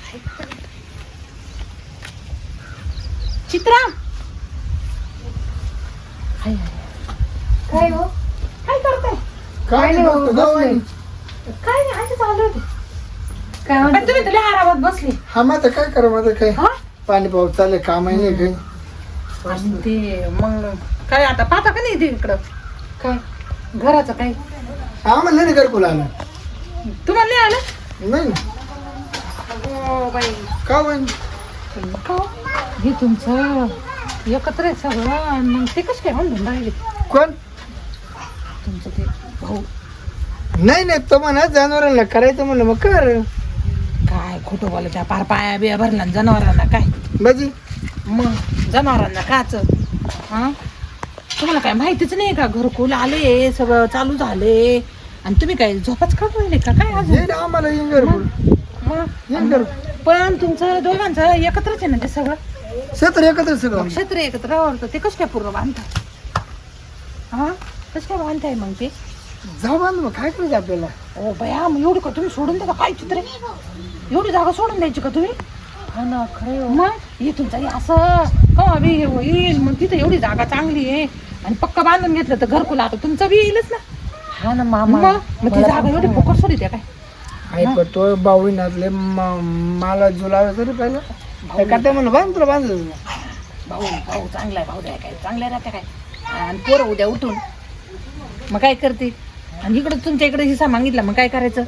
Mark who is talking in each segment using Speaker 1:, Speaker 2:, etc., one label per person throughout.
Speaker 1: चित्रा
Speaker 2: काय हो?
Speaker 1: काय करताय?
Speaker 3: काय नाही बघतो जाऊ आहे.
Speaker 1: काय नाही असं चालू होते.
Speaker 2: काय
Speaker 1: पण
Speaker 2: म्हणते?
Speaker 1: तुम्ही तुला आरामात बसले.
Speaker 3: हा मग आता काय करा माझं काय
Speaker 1: हा?
Speaker 3: पाणी पाऊस चालले काम आहे नाही काही
Speaker 1: आणि ते मग काय आता पाहता का नाही ते इकडं
Speaker 2: काय
Speaker 1: घराचं काय
Speaker 3: आम्हाला नाही घरकुल आलं
Speaker 1: तुम्हाला नाही आलं?
Speaker 3: नाही
Speaker 1: हो बाई
Speaker 3: का होईन
Speaker 1: हे तुमचं एकत्र आहे सगळं आणि मग ते कसं काय म्हणून राहिले
Speaker 3: कोण
Speaker 1: तुमचं ते भाऊ
Speaker 3: नाही नाही तो म्हणा जनावरांना करायचं म्हणलं मग कर
Speaker 1: काय खोटं बोलायचं पार पाया बिया भरला ना जनावरांना काय
Speaker 3: बाजी
Speaker 1: मग जनावरांना काच हा तुम्हाला काय माहितीच नाही का घरकुल आले सगळं चालू झाले आणि तुम्ही काय झोपाच काढून राहिले का काय अजून
Speaker 3: येईल आम्हाला येईन घरकुल येईन
Speaker 1: मग
Speaker 3: घरकुल
Speaker 1: पण तुमचं दोघांचं एकत्रच आहे ना ते सगळं
Speaker 3: क्षेत्र एकत्र सगळं
Speaker 1: क्षेत्र एकत्र आवडतं ते कसं काय पूर्ण बांधतात हा कसं काय बांधताय मग ते
Speaker 3: जाऊ बांध मग काय करायचं आपल्याला
Speaker 1: ओ बया मग एवढी का तुम्ही सोडून द्या काय चित्र आहे? एवढी जागा सोडून द्यायची का तुम्ही
Speaker 2: हा ना खरं
Speaker 1: मग हे तुमचं हे असं का बी येईल मग तिथं एवढी जागा चांगली आहे आणि पक्का बांधून घेतलं तर घरकुल आता तुमचं बी येईलच ना
Speaker 2: हा ना मामा
Speaker 1: मग ती जागा एवढी फुकट सोडी द्या काय
Speaker 3: आहे पण तो बावळी नाचले मला जुलावे तरी पाहिलं काय म्हणलं बांध तुला बांध
Speaker 1: भाऊ भाऊ चांगला आहे भाऊ द्या काय चांगल्या राहत्या काय आणि पोरं उद्या उठून मग काय करते आणि इकडं तुमच्या इकडे हिस्सा मागितला मग काय करायचं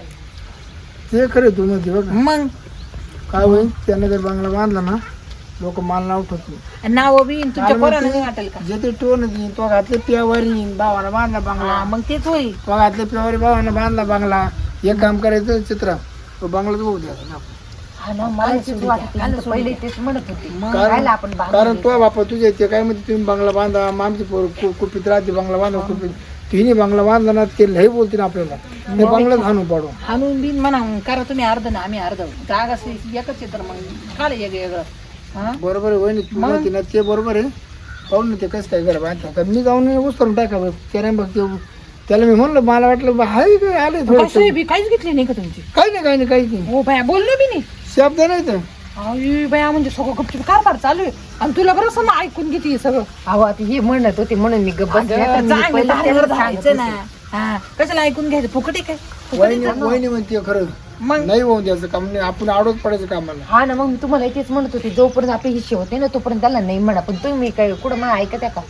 Speaker 3: ते खरे तू मध्ये बघ
Speaker 1: मग
Speaker 3: काय होईल त्याने जर बांगला बांधला ना लोक माल नाव ठेवतील
Speaker 1: नाव बी तुमच्या पोरांना नाही वाटेल का
Speaker 3: जे ते टोन तो घातले पियावारी भावानं बांधला बांगला
Speaker 1: हा, मग तेच होईल
Speaker 3: तो घातले पियावारी भावानं बांधला बांगला एक काम करायचं चित्र तो बांगलाच बघू द्यायचा
Speaker 2: हा ना मला तेच वाटत होतं. पहिले तेच म्हणत होते
Speaker 3: कारण
Speaker 2: आपण
Speaker 3: कारण तो बापा तुझ्या इथे काय म्हणते तुम्ही बांगला बांधा आमची पोर कुपीत राहते बांगला बांधा कुपीत तिने बांगला बांधला ना ते लय बोलतील आपल्याला ते बांगलाच हाणून पाडू
Speaker 1: हाणून बिन म्हणा करा तुम्ही अर्ध ना आम्ही अर्ध जागा एकच आहे तर मग काल वेगळं हा
Speaker 3: बरोबर आहे वहिनी तू म्हणते ना ते बरोबर आहे पाहून ना ते कसं काय करा बांधता मी जाऊन उचलून टाका त्याने बघ त्याला मी म्हणलं मला वाटलं हाय काय आले थोडं
Speaker 1: कसं बी काहीच घेतली नाही का तुमची
Speaker 3: काही नाही काहीच नाही
Speaker 1: हो बाया बोललो बी नाही
Speaker 3: शब्द नाही तर
Speaker 1: अय बाया म्हणजे सगळं गपचूप कारभार चालू आहे आणि तुला बरं समजा ऐकून घेते सगळं
Speaker 2: अहो आता हे म्हणत होते म्हणून मी गप्प बसले. आता मी
Speaker 1: चांगलं
Speaker 2: पहिलं
Speaker 1: तारेवर
Speaker 2: त्यांना सांगत
Speaker 1: जायचं ना
Speaker 2: होते.
Speaker 1: हा कशाला ऐकून घ्यायचं फुकट आहे काय फुकट आहे
Speaker 3: वहिनी
Speaker 1: का?
Speaker 3: वहिनी म्हणते खरं
Speaker 1: मग
Speaker 3: नाही होऊन द्यायचं काम नाही आपण आडोच पडायचं कामाला
Speaker 2: हा ना मग मी तुम्हाला तेच म्हणत होते जोपर्यंत आपले हिस्से होते ना तोपर्यंत त्याला नाही म्हणा पण तुम्ही काय कुठं मला ऐकत आहे का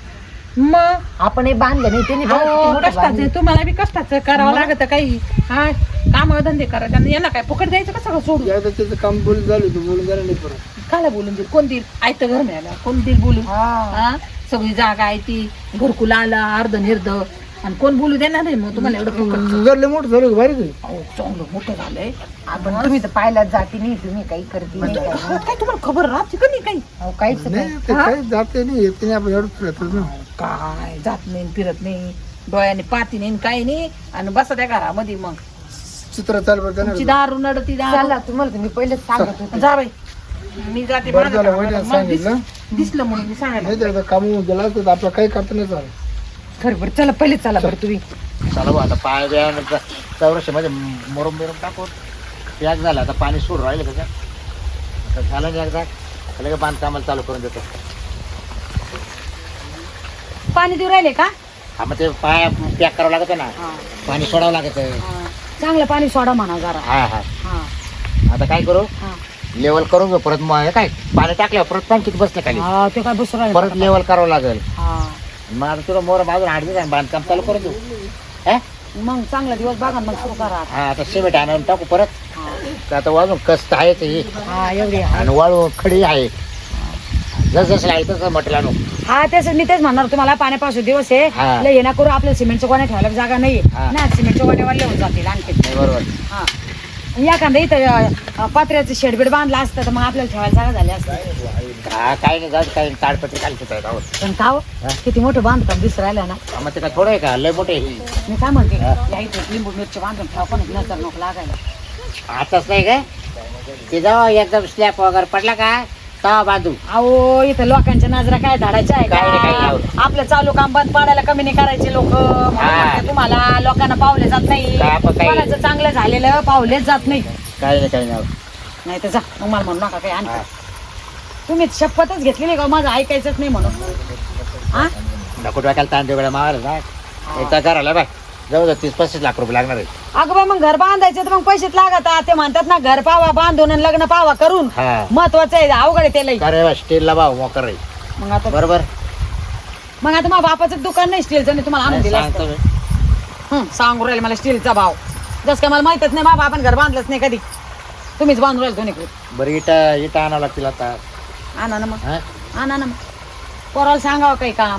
Speaker 1: मग
Speaker 2: आपण हे बांधलं नाही त्यांनी बघा किती
Speaker 1: अहो,
Speaker 2: मोठं
Speaker 1: कष्टाचं
Speaker 2: बांधलं.
Speaker 1: आहे. तुम्हाला बी कष्टाचं करावं लागत काही हा काम धंदे करायचे आणि यांना काय फुकट द्यायचं का सगळं सोडून
Speaker 3: एकदा त्याचं काम बोलून झालं तू बोलून झालं नाही परत
Speaker 1: काला बोलून देईल कोण देईल आयतं घर मिळालं कोण देईल बोलून
Speaker 2: हा.
Speaker 1: हा सगळी जागा आहे ती घरकुल आला अर्ध निर्ध आणि कोण बोलू देणार नाही मग तुम्हाला एवढं फुकट
Speaker 3: घरले मोठं झालं भारी काही
Speaker 1: अहो चांगलं मोठं झालंय
Speaker 2: आपण तुम्ही तर पाहिलाच जाती नाही तुम्ही काही करते नाही काय.
Speaker 1: काय तुम्हाला खबर राहते का नाही काही
Speaker 2: अहो, काहीच नाही
Speaker 3: नाही ते काही जाते नाही येते नाही आपण एवढं फिरतच ना
Speaker 1: काय जात नाही फिरत नाही डोळ्याने पाती नाही काही नाही आणि बसा त्या घरामध्ये मग
Speaker 3: चित्र चाल बरं
Speaker 1: तुमची दारू नडती दारू
Speaker 2: चला तुम्हाला तर मी पहिलेच सांगत होते
Speaker 1: जा बाई मी जाते
Speaker 3: बरं
Speaker 1: माझं
Speaker 3: झालं,
Speaker 1: काम.
Speaker 3: वहिनीला
Speaker 1: मग
Speaker 3: सांगितलं.
Speaker 1: दिसलं म्हणून मी सांगायला
Speaker 3: नाही तर काम गेला तर आपलं काही करता नाही चालेल
Speaker 1: खरं बरं चला पहिले चला बरं तुम्ही
Speaker 4: चला बा आता पाय द्या चौरशेमध्ये मुरम बिरम टाकून पॅक झालं आता पाणी सोडून राहिलं का आता झालं नाही एकदा लगेच बांधकामाला चालू करून देतो
Speaker 1: पाणी देऊ राहिले का
Speaker 4: हा मग ते पाय पॅक करावं लागतं ना पाणी सोडावं लागतं
Speaker 1: चांगलं पाणी सोडा म्हणा जरा
Speaker 4: हा हा आता काय करू लेवल करून घेऊ परत मग हे काय पाणी टाकल्यावर परत पाणी किती बसलं खाली
Speaker 1: हा ते काय बसू राहिले
Speaker 4: परत लेवल करावं लागेल
Speaker 1: हा
Speaker 4: मग आता तुला मोर बाजून 8 दिवस बांधकाम चालू करून देऊ हा
Speaker 1: मग चांगला दिवस बघा मग सुरू करा
Speaker 4: हा आता सिमेंट आणून टाकू परत तर आता वाजून कस्त आहे ते
Speaker 1: हा एवढी
Speaker 4: आणि वाळू खडी आहे जसं आहे तसं मटेरियल आणू
Speaker 1: हा तेच मी तेच म्हणणार तुम्हाला पाण्यापासून दिवस आहे
Speaker 4: हा.
Speaker 1: लय हे ना करू आपल्या सिमेंटच्या गोण्या ठेवायला जागा नाही
Speaker 4: हा.
Speaker 1: ना सिमेंटच्या गोण्यावर लिहून जातील आणखी
Speaker 4: नाही बरोबर
Speaker 1: हा एखादा इथं पत्र्याचं शेडबेड बांधला असतं तर मग आपल्याला ठेवायला जागा झाली असते
Speaker 4: हा काही नाही जात काही ताडपत्री खाली आहे गावात
Speaker 1: पण का हो? किती मोठं बांधकाम दिसू राहिलं ना
Speaker 4: मग ते काय थोडं आहे का लय मोठे
Speaker 1: मी काय म्हणते या इथे लिंबू मिरची बांधून ठेवा पण नजर नको लागायला
Speaker 4: आताच नाही काय ते जाऊ एकदम स्लॅब वगैरे पडला का तवा बाजू
Speaker 1: अहो इथं लोकांच्या नजरा काय धाडायच्या आहे
Speaker 4: काय रे, काय
Speaker 1: का
Speaker 4: लावलं?
Speaker 1: आपलं चालू काम बंद पाडायला कमी नाही करायचे लोक तुम्हाला लोकांना पावले जात नाही
Speaker 4: काय आपण काय-
Speaker 1: कोणाचं चांगलं झालेलं पावलेच जात नाही
Speaker 4: काही नाही
Speaker 2: नाही तर जा मग मला म्हणू नका काही
Speaker 4: हा.
Speaker 2: आणखी. तुम्ही शपथच घेतलेली का माझं ऐकायचंच नाही म्हणून हा
Speaker 4: नको डोक्याला ताण देऊ मावाला ना एकदा करायला बाय जाऊ जा 30-35 लाख रुपये लागणार आहे.
Speaker 2: अगं बाई मग घर बांधायचं तर मग पैसेच लागत ते म्हणतात ना घर पावा बांधून आणि लग्न पावा करून
Speaker 4: हा
Speaker 2: महत्वाचं आहे अवघड आहे ते लई.
Speaker 4: अरे स्टीलला भाव मोकर आहे
Speaker 2: मग आता
Speaker 4: बरोबर
Speaker 2: माझ्या बापाचं दुकान नाही स्टीलचं नाही तुम्हाला आणून दिलं
Speaker 4: सांगतो
Speaker 2: असतं.
Speaker 4: मी.
Speaker 2: सांगू राहिले मला स्टीलचा भाव जस काय मला माहितच नाही बाबा आपण घर बांधलंच नाही कधी तुम्हीच बांधून राहिले दोन्ही
Speaker 4: बरं इटा आणावं लागतील आता
Speaker 2: आणा ना मग
Speaker 4: हा?
Speaker 2: आणा ना मग पोराला सांगावं काही काम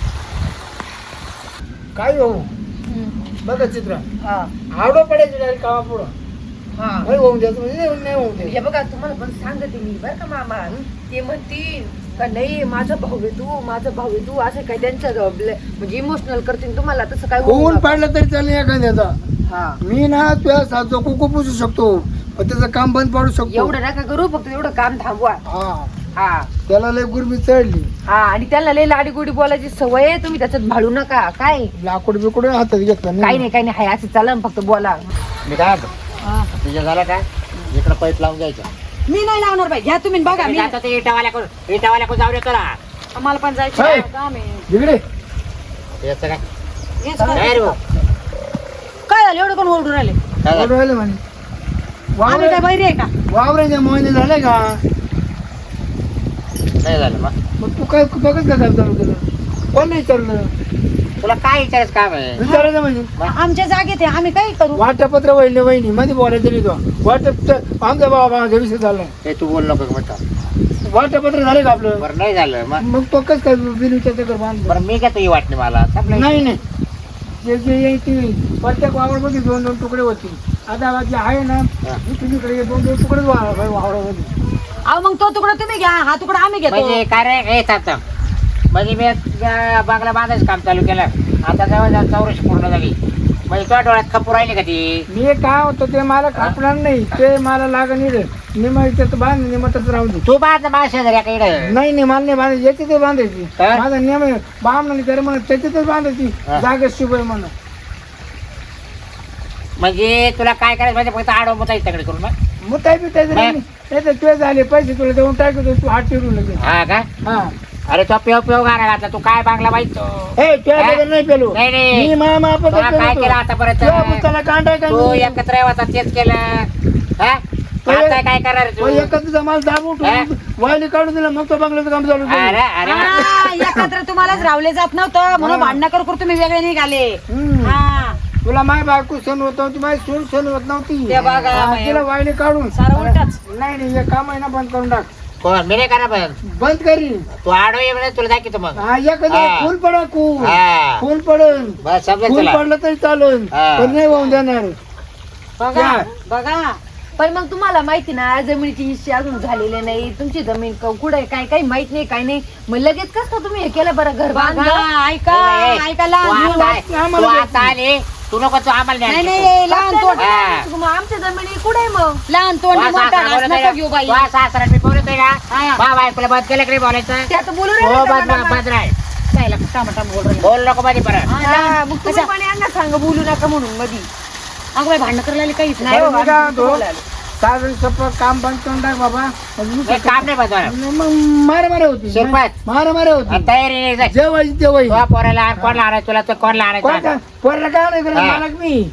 Speaker 3: काय हो बघा चित्र आवडं पडायचं डायरेक्ट कामा पुढं नाही होऊन द्यायचं म्हणजे नाही होऊन द्यायचं.
Speaker 2: हे बघा तुम्हाला पण सांगते मी बरं का मामा ते म्हणतील का नाही माझा भाऊ आहे तू असं काय त्यांच्या म्हणजे इमोशनल करतील तुम्हाला तसं काय होऊ
Speaker 3: होऊन
Speaker 2: नका.
Speaker 3: पाडलं तरी चालेल एखाद्याचा
Speaker 2: हा
Speaker 3: मी ना तुझ्या सासू कुकू पुसू शकतो पण त्याचं काम बंद पाडू शकतो.
Speaker 2: एवढं नका करू फक्त एवढं काम थांबवा
Speaker 3: हा
Speaker 2: हा
Speaker 3: त्याला लय गुरमी चढली
Speaker 2: हा आणि त्याला लय लाडी गोडी बोलायची सवय आहे तुम्ही त्याच्यात भाळू नका काय
Speaker 3: लाकूड बिकूड हातात घेतलं
Speaker 2: काही नाही हाय असं चाला फक्त बोला
Speaker 4: मी काय म्हणतो तुझ्या झालं का इकडं पाईप लावून द्यायचं
Speaker 2: मी नाही लावणार बाई घ्या तुम्ही बघा मी
Speaker 4: आता ते इटावाल्याकडून जाऊ देतो ना
Speaker 2: मला पण जायचं
Speaker 3: हाय.
Speaker 2: काम आहे.
Speaker 3: इकडे
Speaker 4: याचं काय
Speaker 2: हेच करा.
Speaker 4: नाही रे भाऊ.
Speaker 2: काय झालं एवढं कोण ओरडून राहिले
Speaker 4: काय झालं?
Speaker 3: कुठं राहिले म्हणे
Speaker 2: आम्ही काय बैरी आहे का
Speaker 3: वावराच्या मोहिने झाले का
Speaker 4: नाही झालं मग
Speaker 3: मग तू काय बघत का काम चालू केलं कोण नाही चाललं
Speaker 4: तुला काय विचारायचं काम आहे
Speaker 3: विचारायचं म्हणजे
Speaker 2: आमच्या जागेत आहे आम्ही काय करू
Speaker 3: वाटपत्र वहिनी मध्ये बोलायचं नाही तो वाटप आमचा बाबा माझा विषय झाला
Speaker 4: ते तू बोल नको म्हणतो
Speaker 3: वाटपत्र झाले का आपलं
Speaker 4: बरं नाही झालं मग
Speaker 3: मग तो कसं काय बिन विचारचं कर बांधलं
Speaker 4: बरं मी काय तुझी वाटणी मला संपलं.
Speaker 3: नाही जे जे येईल ती प्रत्येक वावरमध्ये 2-2 तुकडे होतील आता जे आहे ना तुम्हीकडे 2-2 तुकडेच वावरामध्ये
Speaker 2: अहो मग तो तुकडा तुम्ही घ्या हा तुकडा आम्ही घेतो
Speaker 4: म्हणजे काय रे हे थांब म्हणजे मी बांगला बांधायचं काम चालू केलं आता जवळ 4 पूर्ण झाली म्हणजे तुझ्या डोळ्यात खपूर राहिली का ती
Speaker 3: मी काय होतो ते मला खापणार नाही ते मला लागण येईल निम त्याचं बांध निमतच राहून दे
Speaker 4: तू बांध माझ्या शेजारी काही
Speaker 3: नाही मला नाही बांधायची याच्यातच बांधायची
Speaker 4: काय?
Speaker 3: माझा नियम आहे बामणाने तर म्हणत त्याच्यातच बांधायची
Speaker 4: हा.
Speaker 3: जागा शुभ आहे म्हणून
Speaker 4: म्हणजे तुला काय करायचं म्हणजे फक्त आडव मुता इकडे करून मग
Speaker 3: मग काय बी त्याचं
Speaker 4: हा.
Speaker 3: नाही तर तुझे झाले पैसे तुला देऊन टाकतो तू हात फिरून लगेच
Speaker 4: हा का
Speaker 3: हा
Speaker 4: अरे तो पेव गाणं घातला तू काय बांगला माहित
Speaker 3: हे तुझ्या
Speaker 4: हा?
Speaker 3: बरोबर नाही पेलो
Speaker 4: नाही, नाही.
Speaker 3: मी मामा
Speaker 4: तुला काय केलं आतापर्यंत
Speaker 3: त्याला कांदा
Speaker 4: तू एकत्र होता तेच केलं हा आता काय करणार तू
Speaker 3: एकत्र मला दाबून
Speaker 4: हा?
Speaker 3: वायली काढून दिला मग तो बंगल्याचं काम चालू
Speaker 4: अरे
Speaker 3: केलं.
Speaker 4: अरे
Speaker 2: हा, एकत्र तुम्हालाच रावले जात नव्हतं म्हणून भांडणं करू तुम्ही वेगळे निघाले
Speaker 3: हम्म.
Speaker 2: हा
Speaker 3: तुला माय बायको सण होत नव्हती माझी सून सण होत नव्हती
Speaker 2: ते बघा,
Speaker 3: हा,
Speaker 2: बाई.
Speaker 3: तिला वायली काढून
Speaker 2: सारं उलटच.
Speaker 3: नाही हे काम आहे ना बंद करून टाक
Speaker 4: कोण मी नाही करणार पण
Speaker 3: बंद करी
Speaker 4: तू आडव ये म्हणजे तुला दाखवतो मग
Speaker 3: हा एखादं
Speaker 4: हा.
Speaker 3: फुल पडा खून
Speaker 4: हा
Speaker 3: फुल पडन
Speaker 4: बस समजेल
Speaker 3: फुल
Speaker 4: तुला
Speaker 3: पडलं तरी चालून
Speaker 4: हा.
Speaker 3: पण नाही वाहून देणार
Speaker 2: बघा
Speaker 3: काय?
Speaker 2: बघा पण मग तुम्हाला माहिती ना जमिनीची हिस्से अजून झालेले नाही तुमची जमीन कुठे काय काही माहित नाही काय नाही मग लगेच कस का तुम्ही हे केलं बरं घर बांधलं ऐका ऐका
Speaker 4: तू
Speaker 2: लहान
Speaker 4: आता आली तू नको तू आम्हाला
Speaker 2: नाही
Speaker 4: न्यायला
Speaker 2: नाही लहान तोंड
Speaker 4: हा.
Speaker 2: मग आमच्या जमिनी कुठे आहे मग लहान
Speaker 4: तुझा
Speaker 2: तोंड मोठा
Speaker 4: सासरा
Speaker 2: घास
Speaker 4: बोलत
Speaker 2: नका घेऊ बाई
Speaker 4: तुझा सासरा मी बोलतोय ना
Speaker 2: हा.
Speaker 4: बा बायकोला बंद केलं की नाही बोलायचं
Speaker 2: ते आता बोलू
Speaker 4: हो बंद
Speaker 2: राहिले
Speaker 4: बंद राय
Speaker 2: जायला टमाटा बोल राहिले.
Speaker 4: बोल नको मध्ये परत
Speaker 2: हा, मग तुम्ही पण यांना सांग बोलू नका म्हणून मधी अगं बाई भांडणं करायला काहीच नाही
Speaker 3: बरं,
Speaker 2: हो,
Speaker 3: मी काय
Speaker 2: आम्ही
Speaker 3: म्हणतो?
Speaker 2: बोलायला.
Speaker 3: साधारण सप्पा काम बंद करून टाक बाबा
Speaker 4: हे काम नाही बंद होणार.
Speaker 3: मग मारा होती
Speaker 4: शिरपत.
Speaker 3: मारा
Speaker 4: आणि
Speaker 3: होती
Speaker 4: तयारी नाही जाय.
Speaker 3: जेवायची तेव्हा
Speaker 4: तुझ्या पोराला आण, कोणाला आणायचं तुला तर कोणाला आणायचं
Speaker 3: पोरला काय नाही करत
Speaker 4: हा.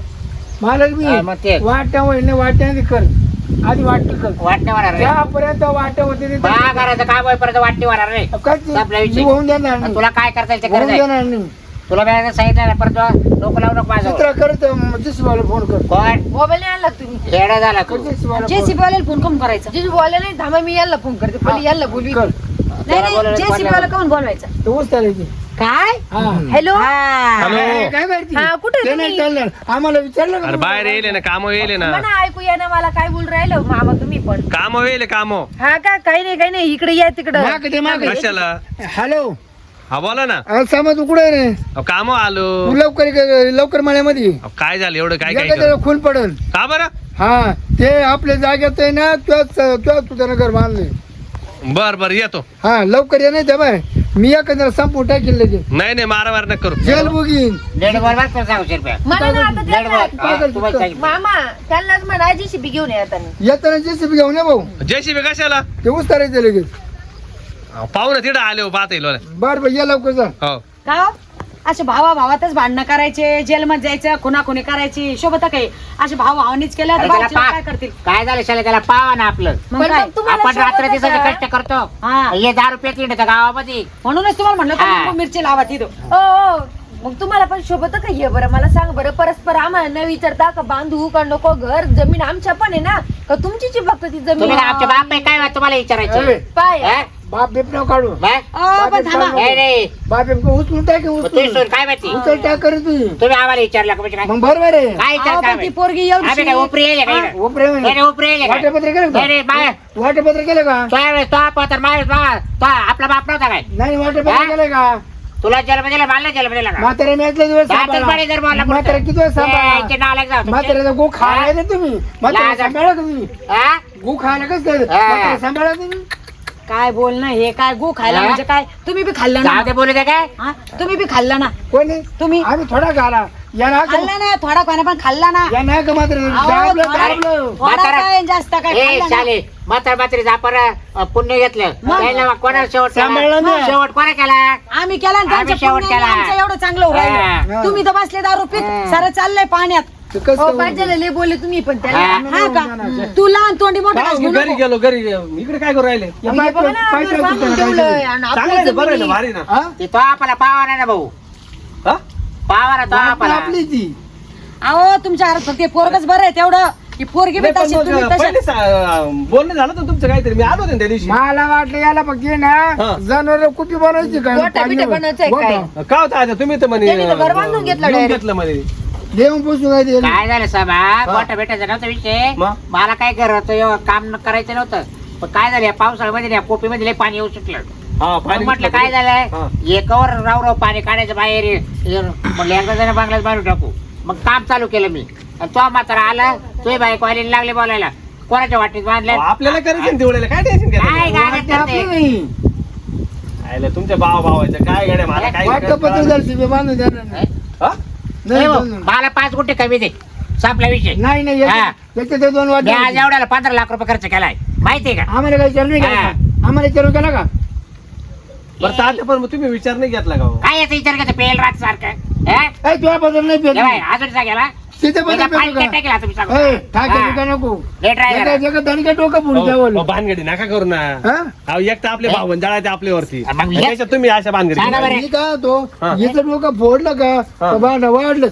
Speaker 3: मालक मी
Speaker 4: हा, मग तेच.
Speaker 3: वाट्या वहिनी वाट्याने कर आधी वाटली कर
Speaker 4: वाटणे होणार रे
Speaker 3: त्यापर्यंत वाट्या होते ते-
Speaker 4: बा करायचं काम होईपर्यंत वाटणे होणार रे
Speaker 3: काय ते-
Speaker 4: संपला विषय.
Speaker 3: मी होऊन देणार
Speaker 4: आणि
Speaker 3: नाही
Speaker 4: तुला काय करता येईल ते
Speaker 3: होऊन
Speaker 4: करत आहे.
Speaker 3: देणार नाही
Speaker 4: तुला मी सांगितलं ना परत लोक लावू नको माझं
Speaker 3: चित्र करत जेसीबाला फोन कर
Speaker 4: कोण
Speaker 2: मोबाईल नाही आणला तुम्ही
Speaker 4: खेळ झाला तू
Speaker 3: जेसीबाला
Speaker 2: जेसीबी वाल्याला फोन करून करायचा जेसीबी वाला नाही थांबा मी याला फोन करते पहिले याला बोलवी
Speaker 3: कर
Speaker 2: नाही जेसीबी वाला कोण बोलवायचा
Speaker 3: तो उचलायची
Speaker 2: काय
Speaker 3: हा
Speaker 2: हॅलो
Speaker 3: काय काय माहिती
Speaker 2: हा, कुठे
Speaker 3: ते नाही
Speaker 2: तुम्ही?
Speaker 3: चालणार आम्हाला विचारलं
Speaker 5: अरे
Speaker 3: का
Speaker 5: बाहेर येईल ना काम येईल ना
Speaker 2: म्हणा ऐकू या ना मला काय बोल राहिलं मामा तुम्ही पण
Speaker 5: काम येईल काम
Speaker 2: हा का काही नाही इकडे या तिकडं
Speaker 3: माग ते माग
Speaker 5: कशाला
Speaker 3: हॅलो
Speaker 5: हा बोला ना
Speaker 3: समज तू कुठे रे
Speaker 5: काम आलो
Speaker 3: तू लवकर मळ्यामध्ये
Speaker 5: अहो, काय झालं एवढं काय काय
Speaker 3: जगा त्याला खून पडन
Speaker 5: का बरं
Speaker 3: हा ते आपल्या जागेत आहे ना तुझ्या तुझ्या घर बांधले
Speaker 5: बर बर येतो
Speaker 3: हा लवकर ये नाही त्या बाय मी एखाद्याला संपू टाकेल लगेच
Speaker 5: नाही नाही मारामार नका करू
Speaker 3: जेल बुगीन
Speaker 4: नेट बरोबर कर 600 रुपये
Speaker 2: म्हणा ना आता
Speaker 4: नेट
Speaker 2: त्यांना.
Speaker 4: बरोबर तुम्हाला सांगितलं.
Speaker 2: मामा त्यांनाच म्हणा JCB घेऊन येताना.
Speaker 3: येताना जेसीबी घेऊन ये भाऊ
Speaker 5: JCB कशाला
Speaker 3: ते उस्तारायचं लगेच
Speaker 5: पाहू ना तिथं आले हो पाहता येईल मला.
Speaker 3: बर बर या लवकर जा
Speaker 5: हो
Speaker 1: का असे भावातच भांडणं करायचे जेलमध्ये जायचं खुनाखुनी करायची शोभत काही असे भावानीच केलं तर
Speaker 4: अरे त्याला
Speaker 1: भावजीला काय
Speaker 4: पा-
Speaker 1: करतील
Speaker 4: काय झालं शाला त्याला पावा ना आपलं
Speaker 1: मग
Speaker 2: पण
Speaker 1: काय?
Speaker 2: मग तुम्हाला
Speaker 4: आपण रात्र
Speaker 2: शोभत
Speaker 4: दिवसाचे
Speaker 2: का?
Speaker 4: कष्ट करतो
Speaker 1: हा.
Speaker 4: हे 10 रुपये किंड गावामध्ये
Speaker 1: म्हणूनच तुम्हाला म्हणलं
Speaker 4: हा.
Speaker 1: तर लिंबू मिरची लावा तिथं
Speaker 2: ओ मग तुम्हाला पण शोभत का हे बरं मला सांग बरं परस्पर आम्हाला न विचारता का बांधू का नको घर जमीन आमच्या पण आहे ना का तुमचीच आहे फक्त ती जमीन
Speaker 4: तुम्ही काय आमचे बाप आहे काय तुम्हाला विचारायचं
Speaker 3: ए,
Speaker 2: पाय
Speaker 4: हा?
Speaker 3: बाप बिप नाव काढू
Speaker 4: बाय?
Speaker 1: पण थांबा
Speaker 4: नाही नाही
Speaker 3: बाप बिप उचलून टाके
Speaker 4: मग तुम्ही
Speaker 3: उचलून
Speaker 4: सोड काय माहिती
Speaker 3: उचल टाक करी तुझी
Speaker 4: तुम्ही आम्हाला विचारलं का म्हणजे काय
Speaker 3: मग बरोबर आहे
Speaker 4: काय विचार
Speaker 1: अहो,
Speaker 4: काय
Speaker 1: पण ती
Speaker 4: माहिती?
Speaker 1: पोरगी
Speaker 4: आम्ही काय उपरी येईल का इकडं?
Speaker 3: उपरे
Speaker 4: नाही, नाही, उपरी येईल का?
Speaker 3: वाटेपत्र केलं
Speaker 4: नाही, नाही, बाय.
Speaker 3: का वाटेपत्र केलं का
Speaker 4: त्यावेळेस तो पत्र माणूस तो आपला बाप नव्हता काय
Speaker 3: नाही वाटेपत्र
Speaker 4: हा?
Speaker 3: केलं का
Speaker 4: तुला जन्म मला जन्म दिला का
Speaker 3: म्हातारे म्यातले दिवस
Speaker 4: दातच पाणी जर बोलला पुढचं.
Speaker 3: म्हातारे किती वेळ सांभाळा
Speaker 4: ए, इथे नालायक जाऊ तुमचे.
Speaker 3: म्हाताऱ्याचा गो खायला ना तुम्ही म्हातारे
Speaker 4: लाज-
Speaker 3: सांभाळा तुम्ही
Speaker 4: हा?
Speaker 3: गो खायला कसं
Speaker 4: हा.
Speaker 3: म्हातारे सांभाळा तुम्ही
Speaker 1: काय बोलणं हे काय गो खायला
Speaker 4: हा?
Speaker 1: म्हणजे काय तुम्ही बी खाल्लं ना
Speaker 4: जाऊ दे बोलू दे काय
Speaker 1: हा? तुम्ही बी खाल्ला ना
Speaker 3: कोणी
Speaker 1: तुम्ही
Speaker 3: आम्ही थोडा खाला याला
Speaker 1: खाल्ला ना थोडा खाना पण खाल्ला ना
Speaker 3: या नाही का म्हातारे
Speaker 1: अहो,
Speaker 3: दाबलं
Speaker 1: थोडा-
Speaker 3: दाबलं
Speaker 1: थोडा
Speaker 4: म्हातारा-
Speaker 1: काय जास्त काय
Speaker 4: ए
Speaker 1: खाल्ला ना?
Speaker 4: शाले म्हातारी आपण पुण्य घेतलं
Speaker 1: मग?
Speaker 4: त्याला कोणा शेवट
Speaker 3: सांभाळलं
Speaker 4: केला
Speaker 3: ना.
Speaker 4: शेवट कोणा केला
Speaker 1: आम्ही केला आणि त्यांच्या
Speaker 4: आम्ही शेवट
Speaker 1: पुण्याने
Speaker 4: केला.
Speaker 1: आमचं एवढं चांगलं होऊ राहिलं.
Speaker 3: हा.
Speaker 1: तुम्ही तर बसले दारू पीत
Speaker 4: हा.
Speaker 1: सारं चाललंय पाण्यात
Speaker 3: ते कसं
Speaker 2: हो पाहिजे लय बोलले तुम्ही पण त्याला
Speaker 4: हा.
Speaker 1: हा का तू लहान तोंडी मोठं
Speaker 6: काय
Speaker 1: घास घेऊ
Speaker 6: मी घरी
Speaker 1: नको.
Speaker 6: गेलो घरी इकडे काय करू राहिले
Speaker 3: या
Speaker 2: हे बघा ना,
Speaker 3: पाय-
Speaker 2: घर
Speaker 3: पाय-
Speaker 2: बांधून
Speaker 3: पाय-
Speaker 2: ठेवलंय
Speaker 3: पाय-
Speaker 2: आणि
Speaker 6: चांगलं
Speaker 2: आपल्या
Speaker 6: आहे ना, बरं आहे ना
Speaker 2: जमिनी-
Speaker 6: भारी ना
Speaker 3: हा?
Speaker 4: ते तो आपला पावा नाही ना भाऊ
Speaker 6: हा?
Speaker 4: पावा ना तो
Speaker 3: वाटलं
Speaker 4: आपला
Speaker 3: आपली ती
Speaker 1: अहो तुमच्या हातात ते पोरगच बरं आहे तेवढं की पोरगी बी
Speaker 6: नाही, पण
Speaker 1: तशी
Speaker 6: मग
Speaker 1: तुम्ही तशी
Speaker 6: पहिले बोलणं झालं तर तुमचं काहीतरी मी आलो होतो ना त्या दिवशी
Speaker 3: मला वाटलं याला फक्त ये ना
Speaker 6: हा.
Speaker 3: जनावर कुठे बनवायची काय
Speaker 2: गोट्या बिट्या बनवायचंय काय?
Speaker 3: गोठा.
Speaker 6: काय होतं आता तुम्ही तर म्हणे
Speaker 2: त्यांनी तर घर बांधून घेतलं
Speaker 6: घेऊन
Speaker 2: direct.
Speaker 6: घेतलं म्हणे
Speaker 3: देऊन पुसून काय ते
Speaker 4: काय झालं साबा मोठा भेटायचा नव्हता विषय
Speaker 6: मग?
Speaker 4: मला काय करत काम करायचं नव्हतं पण काय झालं या पावसाळ्यामध्ये या कोपीमध्ये लय पाणी येऊ सुटलं
Speaker 6: हा
Speaker 4: मग
Speaker 6: पाणी
Speaker 4: म्हटलं
Speaker 6: घेतलं.
Speaker 4: काय झालंय
Speaker 6: हा.
Speaker 4: एकावर राव पाणी काढायचं बाहेर म्हटलं एकदा जण बांगलाच बाहेर टाकू मग काम चालू केलं मी आणि तो म्हातारा आला तो बाईक वालीला लागले बोलायला कोणाच्या वाटीत बांधल्या
Speaker 6: अहो, आपल्याला करायचं ना तेवढ्याला काय टेन्शन
Speaker 4: काय
Speaker 6: घ्यायचं
Speaker 4: गाणं
Speaker 3: वाटलं आपली
Speaker 4: करते?
Speaker 3: नाही.
Speaker 6: आयला तुमच्या भावाचं काय गड्या मला काय
Speaker 3: वाटलं पत्र झालं ते बांधून देणार नाही.
Speaker 6: हा?
Speaker 3: नाही,
Speaker 4: हो,
Speaker 3: बांधून.
Speaker 4: मला 5 गुंठे कमी दे संपला विषय
Speaker 3: नाही नाही
Speaker 4: हा.
Speaker 3: याच्यात ते दोन
Speaker 4: मी आज
Speaker 3: वाटे
Speaker 4: एवढ्याला 15 लाख रुपये खर्च केलाय माहितीये का
Speaker 3: आम्हाला काही विचार नाही केला
Speaker 4: हा.
Speaker 3: का? आम्हाला विचारून केला का
Speaker 6: बरं तात्या पण मग तुम्ही विचार नाही घेतला का हो?
Speaker 4: काय याचा विचार करतो पेल रात सारखं
Speaker 3: ए, तुझ्या बदल नाही पेट
Speaker 4: अजून सांगायला
Speaker 3: तिथे बदल
Speaker 4: पाणी
Speaker 3: पेटू
Speaker 4: टाकेल आता मी
Speaker 3: का
Speaker 4: सांगतो.
Speaker 3: ए, ठाके
Speaker 4: हा.
Speaker 3: बिका नको
Speaker 4: लेट राहिला.
Speaker 3: जगा दणका डोकं पुढे
Speaker 6: अहो,
Speaker 3: जावं
Speaker 6: भानगडी नका करू ना
Speaker 3: हा?
Speaker 6: अहो एक तर आपले भाऊ जळायचे आपल्यावरती
Speaker 4: मग
Speaker 6: आणि
Speaker 4: हे-
Speaker 6: त्याच्यात तुम्ही अशा भानगडी
Speaker 4: सांगा बरं.
Speaker 3: मी काय होतो
Speaker 6: हा.
Speaker 3: याचं डोकं फोडलं का
Speaker 6: हा.
Speaker 3: तर भांडं वाढलं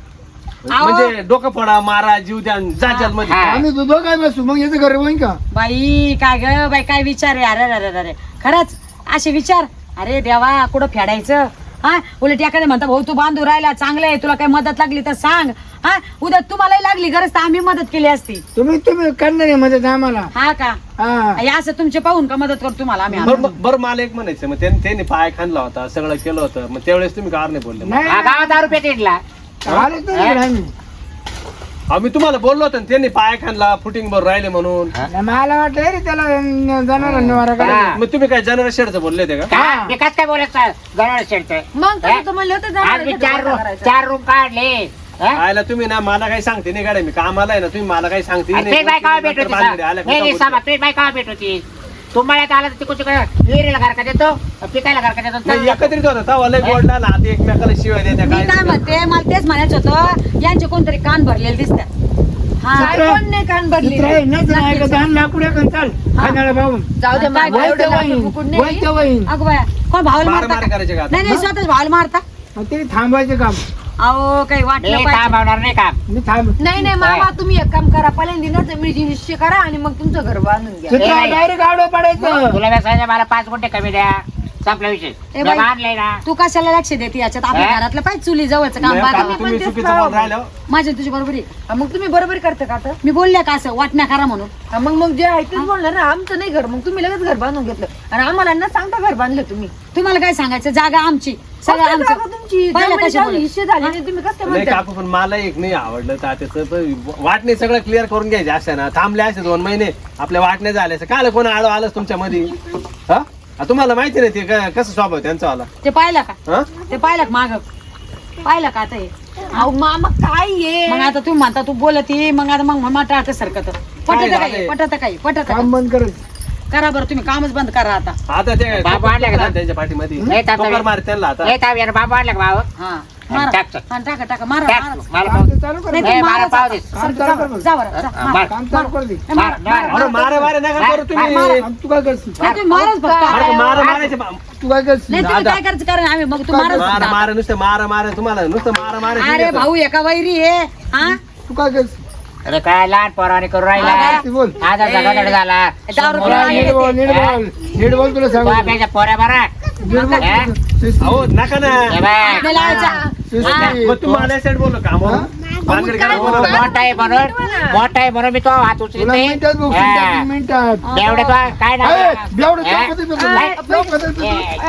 Speaker 6: म्हणजे डोकं फोडा मारा जीव द्या जा मध्ये
Speaker 4: हा.
Speaker 3: आम्ही दुधो काय बसू मग याचं घर होईन का
Speaker 1: बाई काय ग बाई काय विचार आहे अरे अरे अरे खरंच असे विचार अरे देवा कुठं फेडायचं हा उलट एखादे म्हणता भाऊ तू बांधू राहिला चांगलं आहे तुला काही मदत लागली तर सांग हा उद्या तुम्हालाही लागली गरज तर आम्ही मदत केली असती
Speaker 3: तुम्ही करणार आहे मदत आम्हाला
Speaker 1: हा का
Speaker 3: हा
Speaker 1: हे असं तुमचे पाहून का मदत करतो तुम्हाला आम्ही
Speaker 6: बरं मला एक म्हणायचं मग त्यांनी पाय खाणला होता सगळं केलं होतं मग त्यावेळेस तुम्ही कार नाही बोलले मग?
Speaker 3: नाही
Speaker 4: हा, गावात 10 रुपये तिडला
Speaker 3: आलेच नाही इकडे आम्ही
Speaker 6: आम्ही तुम्हाला बोललो होतो ना, त्यांनी पाय खाणला फुटिंग बर राहिले म्हणून
Speaker 3: नाही, मला वाटलं रे त्याला जाणार निवारा
Speaker 4: हा.
Speaker 3: करायला
Speaker 6: मग तुम्ही काय जनरल शेडचं बोलले होते का
Speaker 4: का विकास काय बोलत जनावर शेडतोय
Speaker 2: मग तसं तर म्हणलं होतं
Speaker 4: आज मी
Speaker 2: जाणार
Speaker 4: 4 रूम काढले हा?
Speaker 6: आयला तुम्ही ना मला काही सांगते नाही गाड्या मी कामाला आहे ना तुम्ही मला काही सांगते
Speaker 4: आणि तुझी बाई कावा भेट होती नाही सामा तुझी बाई कावा भेट होती तुम्हाला आला तर तिकडे विहिरीला घर का देतो पिकायला घर का देतो
Speaker 6: एकत्रित होता तवा लय गोडला ना ते एकमेकाला शिवाय देत्या
Speaker 1: मी काय
Speaker 6: काय
Speaker 1: म्हणते मला तेच म्हणायचं होतं यांचे कोणतरी कान भरलेले दिसतात हा
Speaker 2: कोण नाही कान भरली
Speaker 3: चाल खाण्याला पाहून
Speaker 2: जाऊ दे मला एवढं लाकूड बुकूड नाही.
Speaker 1: अगं बाया कोण भावाला
Speaker 6: मार
Speaker 1: मारता
Speaker 6: मार
Speaker 1: का?
Speaker 6: करायचे का आता?
Speaker 1: नाही नाही स्वतःच भावाला मारता
Speaker 3: ते थांबायचं काम
Speaker 1: अहो काही वाटलं
Speaker 4: काम
Speaker 1: पाहिजे
Speaker 4: होणार नाही काम
Speaker 3: मी थांब
Speaker 2: नाही नाही मामा तुम्ही एक काम करा पहिल्यांदा जमिनीची निश्चय करा आणि मग तुमचं घर बांधून घ्या
Speaker 4: नाही.
Speaker 3: डायरेक्ट आडो पडायचं
Speaker 4: तुला व्यवसाय मला 5 गुंठे कमी द्या संपला विषय
Speaker 1: ए बाई.
Speaker 4: आणलंय ना
Speaker 1: तू कशाला लक्ष देते याच्यात आपल्या
Speaker 4: हा?
Speaker 1: घरातलं पाहिजे चुली जवळचं काम
Speaker 6: नाही,
Speaker 1: बाकी
Speaker 6: आता तुम्ही
Speaker 2: तेच
Speaker 6: चुकीचं
Speaker 2: करावं.
Speaker 6: बोल राहिलं
Speaker 1: माझ्या तुझी बरोबर आहे
Speaker 2: हा, मग तुम्ही बरोबर करता का आता
Speaker 1: मी बोलले का असं वाटण्या करा म्हणून
Speaker 2: हा, मग जे आहे तेच बोलणार ना आमचं नाही घर मग तुम्ही लगेच घर बांधून घेतलं आणि आम्हाला न सांगता घर बांधलं तुम्ही
Speaker 1: तुम्हाला काय सांगायचं जागा आमची सगळं
Speaker 2: फक्त जागा
Speaker 1: आमचं
Speaker 2: तुमची
Speaker 1: पहिलं
Speaker 2: जमिनीची
Speaker 1: कशामुळे?
Speaker 2: हिस्से झाले नाही तुम्ही कसं काय
Speaker 6: नाही
Speaker 2: म्हणता
Speaker 6: काकू पण मला एक नाही आवडलं तात्याचं पण वाटणे सगळं क्लिअर करून घ्यायचे असं ना थांबले असे 2 महिने आपल्या वाटणे झाले असं काल कोण आलो आलंच तुमच्या मध्ये हा तुम्हाला माहिती नाही ते कसं स्वभाव आहे त्यांचा वाला
Speaker 1: ते पाहिलं का
Speaker 6: हा
Speaker 1: ते पाहिलं का माग पाहिलं का आता हे
Speaker 2: अहो मामा काय आहे
Speaker 1: मग आता तू म्हणता तू बोलती मग आता मग मम्मा टाळत सरकत पटत
Speaker 6: झालंय?
Speaker 1: काही पटत काही पटत
Speaker 3: काम बंद करायचं
Speaker 1: करा बरं तुम्ही कामच बंद करा आता
Speaker 6: आता ते
Speaker 7: बाबा आले का?
Speaker 6: त्यांच्या पाठीमध्ये
Speaker 7: नाही, तात्या.
Speaker 6: ठोकर मार त्यांना आता
Speaker 7: नाही ताव यार बाबा आणला का भाऊ
Speaker 1: हा मारा
Speaker 7: टाक, टाक.
Speaker 1: हा, टाका टाका मारा
Speaker 7: टाक,
Speaker 1: मारा.
Speaker 7: मला
Speaker 3: काम
Speaker 7: पाव
Speaker 3: ते चालू कर
Speaker 1: नाही,
Speaker 7: नाही,
Speaker 1: तुम्ही
Speaker 7: मारा
Speaker 1: मारा,
Speaker 7: पाव
Speaker 1: जा,
Speaker 7: दे.
Speaker 1: जा,
Speaker 3: काम
Speaker 1: जा,
Speaker 3: चालू
Speaker 1: जा,
Speaker 3: कर.
Speaker 1: जा बरं, जा,
Speaker 7: हा,
Speaker 1: मारा.
Speaker 3: काम चालू कर दे
Speaker 7: मार, मार.
Speaker 6: अरे मारा मारा नका करू तुम्ही
Speaker 3: आणि तू काय करशील
Speaker 1: नाही, तुम्ही माराच फक्त
Speaker 6: अरे मारा मारायचे
Speaker 3: तू काय करशील
Speaker 1: नाही तुम्ही काय करायचं कारण आम्ही मग तू माराच
Speaker 6: मारा
Speaker 1: फक्त.
Speaker 6: मारा नुसतं मारा मारा तुम्हाला नुसतं मारा मारा
Speaker 1: अरे भाऊ एका वैरी आहे हा
Speaker 3: तू काय करशील
Speaker 7: अरे काय लहान पोराने करू
Speaker 1: हा,
Speaker 7: राहिला
Speaker 3: ती बोल
Speaker 7: आता झगडा झाला
Speaker 1: दारू
Speaker 7: मुलं
Speaker 1: पिऊन
Speaker 7: आली.
Speaker 3: नीट बोल नीट बोल नीट बोल तुला सांगू
Speaker 7: बापाच्या पोऱ्या बरा
Speaker 3: नीट बोल
Speaker 7: हा?
Speaker 3: शिस्ती.
Speaker 6: अहो नका ना
Speaker 7: हे बाय.
Speaker 1: आपल्याला लावायचा.
Speaker 3: शिस्ती.
Speaker 6: मग तू मला साईड बोललो का
Speaker 3: हा?
Speaker 6: भानगड करा बोललो
Speaker 7: मोठा आहे म्हणून मी तो हात उचलीत
Speaker 3: तुला
Speaker 7: नाही
Speaker 3: मिनिटात बघ
Speaker 7: हा.
Speaker 3: 3 मिनिटात
Speaker 7: एवढे तो काय नाव
Speaker 3: ए,
Speaker 7: आहे?
Speaker 3: बेवडं
Speaker 7: हा?
Speaker 3: चौकात येतो
Speaker 7: काय?
Speaker 3: तू. चौकात येतो तू.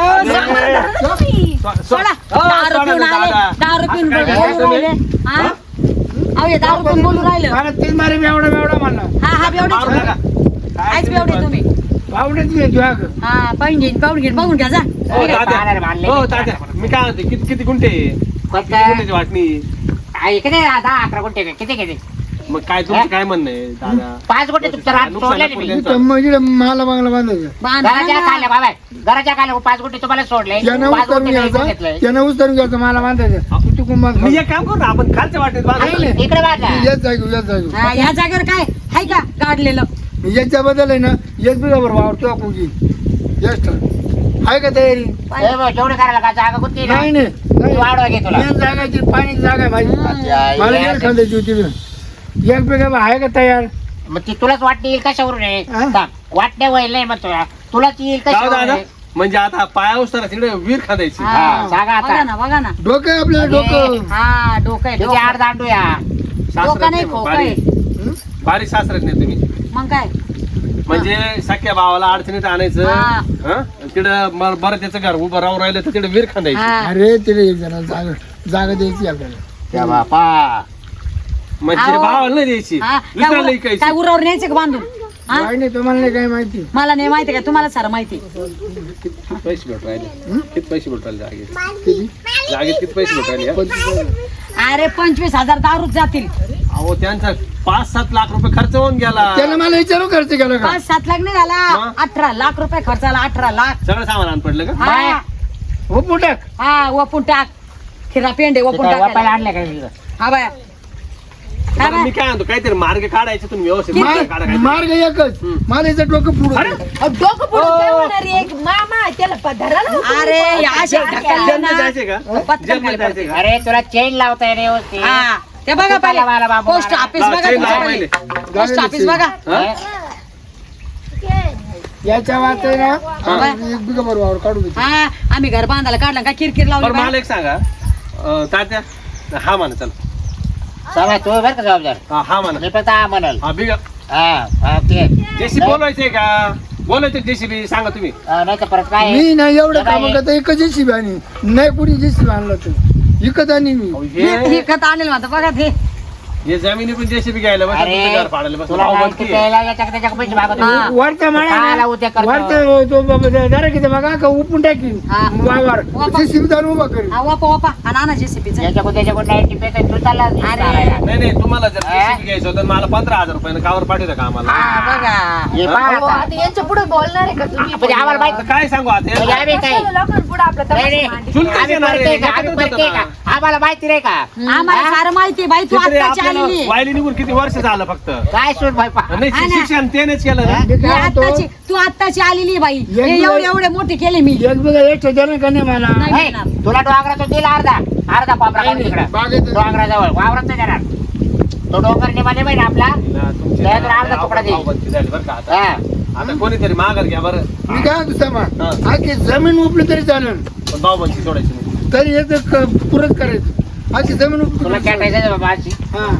Speaker 1: सोडा. दारू पिऊन आले दारू पिऊन बोलून राहिले हा अहो हे दारू पिऊन बोलून राहिलं
Speaker 3: मला तीन मारे बेवडा बेवडा म्हणला
Speaker 1: हा हा बेवडे आईच बेवडे तुम्ही
Speaker 3: बावडेच मी तुझ्या
Speaker 1: हा पाहून घेईन बघून घ्या जा
Speaker 6: हो
Speaker 7: काय
Speaker 6: तात्या
Speaker 7: पाहणार मानले?
Speaker 6: हो तात्या मी काय म्हणते किती किती गुंठे
Speaker 7: पण
Speaker 6: किती
Speaker 7: काय?
Speaker 6: गुंठ्याची वाटणी
Speaker 7: किती 10-11 गुंठे किती
Speaker 6: मग काय तुमचं काय म्हणणं आहे दादा
Speaker 7: 5 गुंठे तुमचं रान
Speaker 6: नुकसान
Speaker 7: सोडले
Speaker 6: नको
Speaker 7: मी
Speaker 6: त्यांचं.
Speaker 3: म्हणजे मला बांगला बांधायचं
Speaker 1: बांधा
Speaker 7: घराच्या
Speaker 1: ना.
Speaker 7: खाल्या बाबा घराच्या खाल्या 5 गुंठे तुम्हाला सोडले
Speaker 3: त्यानं
Speaker 7: 5
Speaker 3: उतरून
Speaker 7: गुंठे
Speaker 3: घ्यायचं
Speaker 7: घेतलंय
Speaker 3: त्यानं उतरून घ्यायचं मला बांधायचं तू तिकून बांध
Speaker 6: मी एक काम करू ना आपण खालच्या वाटेत बांधू.
Speaker 7: इकडे बांधा
Speaker 3: येत जागी येत जागी
Speaker 1: हा, ह्या जागेवर काय हाय का काढलेलं
Speaker 3: याच्या बद्दल आहे ना येत बिगा बरोबर वावरतो आपण की येस आहे का तयारी
Speaker 7: ए बा, जेवढे करायला का जागा कुठली ना
Speaker 3: नाही नाही
Speaker 7: वाढवा घे तुला
Speaker 3: मेन जागाची पाण्याची जागा आहे माझी मला
Speaker 7: या,
Speaker 3: येईल खांद्याची होती एक बिगा आहे का तयार
Speaker 7: मग ती तुलाच वाटणी येईल कशावरून आहे
Speaker 3: हा?
Speaker 7: सांग. वाटण्या व्हायला नाही मग तुलाच येईल
Speaker 6: जाऊ
Speaker 7: कशावरून
Speaker 6: दादा
Speaker 7: आहे?
Speaker 6: म्हणजे आता पाया उचताना तिकडे वीर खांदायची
Speaker 7: हा, सांगा आता.
Speaker 1: बघा ना
Speaker 3: डोकं आहे आपल्याला डोकं
Speaker 1: हा डोकं आहे
Speaker 7: किती
Speaker 1: डोकं.
Speaker 7: आड दांडू या
Speaker 1: डोकं नाही खोकं आहे
Speaker 6: बारीक सासरत नाही तुम्ही
Speaker 1: मग काय
Speaker 6: म्हणजे सख्या भावाला अडचणीत आणायचं
Speaker 1: हा.
Speaker 6: हं? तिकडं बरं त्याचं घर उभं राहून राहिलं तर तिकडे वीर खांदायची
Speaker 1: हा
Speaker 3: अरे तिला एक जण जागा द्यायची आपल्याला
Speaker 7: त्या बापा
Speaker 6: म्हणजे
Speaker 1: अहो.
Speaker 6: भावाला नाही द्यायची
Speaker 1: हा
Speaker 6: दुसऱ्याला
Speaker 1: काय
Speaker 6: ऐकायची
Speaker 1: काय उरावर न्यायचं का बांधून हा
Speaker 3: काय नाही तुम्हाला नाही काय माहिती
Speaker 1: मला नाही माहिती का तुम्हाला सारं माहिती
Speaker 6: किती पैसे भेट राहिले किती पैसे भेट राहिले जागेत
Speaker 3: किती
Speaker 6: जागेत किती पैसे भेट राहिले
Speaker 3: 25,000.
Speaker 1: अरे 25,000 दारूच जातील
Speaker 6: अहो त्यांचा 5-7 लाख रुपये खर्च होऊन गेला
Speaker 3: त्यानं मला विचारू खर्च केला का
Speaker 1: 5-7 लाख नाही झाला
Speaker 6: मग?
Speaker 1: 18 लाख रुपये खर्चाला 18 लाख
Speaker 6: सगळं सामान आण पडलं का
Speaker 1: हा
Speaker 3: हो पुटाक
Speaker 1: हा वपून टाक खिरा पेंडे वपून
Speaker 7: वापायला
Speaker 1: टाक
Speaker 7: आणले काय
Speaker 1: हा बाया हा
Speaker 6: बरं,
Speaker 1: बाया.
Speaker 6: मी काय म्हणतो काहीतरी मार्ग काढायचे तुम्ही व्यवस्थित मार्ग काढा काहीतरी.
Speaker 3: मार्ग एकच मला याचं डोकं पुढं
Speaker 2: अहो, डोकं पुढं काय होणार आहे? एक मामा त्याला पधाराला
Speaker 1: अरे असे ढकलले
Speaker 6: जेलमध्ये
Speaker 1: ना
Speaker 6: जायचंय का
Speaker 1: पत्कन
Speaker 6: जेलमध्ये
Speaker 1: खाली
Speaker 6: जायचंय का
Speaker 7: अरे तुला चेन लावता येणे व्यवस्थित
Speaker 1: हा ते बघा
Speaker 7: मला
Speaker 1: पहिले
Speaker 7: बाबू
Speaker 1: पोस्ट
Speaker 7: मला.
Speaker 1: ऑफिस
Speaker 6: लावा,
Speaker 1: बघा
Speaker 6: चेन लावा
Speaker 1: तुमच्या
Speaker 6: पहिले.
Speaker 1: पहिले. पोस्ट ऑफिस बघा
Speaker 6: हं?
Speaker 3: याच्या वाच आहे ना एक बिगा बरोबर काढू दे
Speaker 1: हा आम्ही घर बांधायला काढलं का किरकिर लावली
Speaker 6: बरं
Speaker 1: बाया.
Speaker 6: मला एक सांगा तात्या हा म्हणा चला
Speaker 7: चला तू बरं का जबाबदार
Speaker 6: हा म्हणा
Speaker 7: मी फक्त हा म्हणाल
Speaker 6: हा बिगा
Speaker 7: हा ते
Speaker 6: जेसीबी बोलवायचंय का बोलायचं जेसीबी सांगा तुम्ही
Speaker 7: नाही तर परत काय
Speaker 3: मी नाही एवढं
Speaker 7: हे
Speaker 3: काम
Speaker 7: बाई.
Speaker 3: करता एकच जेसीबी आणि नाही कुणी जेसीबी आणला तर विकत आणि मी
Speaker 6: अहो,
Speaker 1: हे खत आणेल म्हणता बघा ते
Speaker 6: हे जमिनी पण जेसीबी घ्यायला बस
Speaker 7: अरे
Speaker 6: तुमचं घर पाडायला बस
Speaker 7: तुला
Speaker 6: भाऊ
Speaker 7: नाही
Speaker 6: बनकी
Speaker 7: की
Speaker 6: आहे.
Speaker 7: प्यायला याच्या त्याच्या पैसे मागवतो
Speaker 1: हा.
Speaker 3: वरता
Speaker 7: काला उद्या करतो.
Speaker 3: वरता तो बाबा जरा किती बघा का उपून टाकीन
Speaker 1: हा.
Speaker 3: वावर
Speaker 1: वापर.
Speaker 3: जेसीबी जाऊन उभा करेन
Speaker 1: हा वापा वापा आणि आणा जेसीबीचा
Speaker 7: याच्याकडून त्याच्याकडून नाही टिपेत तू चालला
Speaker 6: नाही नाही तुम्हाला जर जेसीबी घ्यायचं होतं तर मला 15,000 रुपयानं कावर पाठवता का आम्हाला
Speaker 1: हा बघा
Speaker 7: हे
Speaker 6: हा?
Speaker 7: पहा
Speaker 2: अहो,
Speaker 7: आता.
Speaker 2: आता यांच्या पुढे बोलणार आहे का तुम्ही
Speaker 7: म्हणजे आम्हाला माहित
Speaker 6: आता काय सांगू आता
Speaker 7: म्हणजे आम्ही काय
Speaker 2: लोकांपुढे आपलं
Speaker 7: नाही,
Speaker 2: तमाशा
Speaker 7: नाही.
Speaker 2: मांडली.
Speaker 6: चुलतेच
Speaker 7: आम्ही
Speaker 6: येणार आहे,
Speaker 7: परके का?
Speaker 6: एकत्रच
Speaker 7: आम्ही परके
Speaker 6: होतं
Speaker 7: का?
Speaker 6: ना.
Speaker 7: आम्हाला माहिती नाही का
Speaker 1: आम्हाला सारं माहिती बाई तू
Speaker 6: किती
Speaker 1: आत्ताची
Speaker 6: आपल्याला
Speaker 1: आलेली
Speaker 6: वायली निघून किती वर्ष झालं फक्त
Speaker 7: काय सोड भाई पहा.
Speaker 6: नाही
Speaker 1: हा ना.
Speaker 6: शिक्षण त्यानेच केलं ना
Speaker 3: मी
Speaker 1: ही
Speaker 3: काय म्हणतो,
Speaker 1: आत्ताची तू आत्ताची आलेली बाई
Speaker 3: एक
Speaker 1: हे
Speaker 3: दिवस-
Speaker 1: एवढे एवढे मोठे केले मी
Speaker 3: एक बिगा एक ठेवणार का नाही मला
Speaker 1: नाही
Speaker 7: हे,
Speaker 1: देणार.
Speaker 7: तुला डोंगरातून दिला अर्धा पापरा काढून तिकडं
Speaker 3: बागेत
Speaker 7: डोंगराजवळ वावरात नाही जाणार तो डोंगर निमाने माहिती आपला
Speaker 6: ना, तुमची
Speaker 7: त्यात अर्धा तुकडा दे.
Speaker 6: भावबंदी झाली बरं का आता
Speaker 7: हा.
Speaker 6: आता कोणीतरी माघार घ्या बरं
Speaker 3: मी काय म्हणतो सामा
Speaker 6: हा.
Speaker 3: आखी जमीन उपली तरी चालेल
Speaker 6: पण भावबंदी सोडायची नाही
Speaker 3: तरी याचं पुरत करायचं आखी जमीन उपली
Speaker 7: तुला
Speaker 3: तरी चालेल.
Speaker 7: खेटायचं बाबा आजची
Speaker 3: हा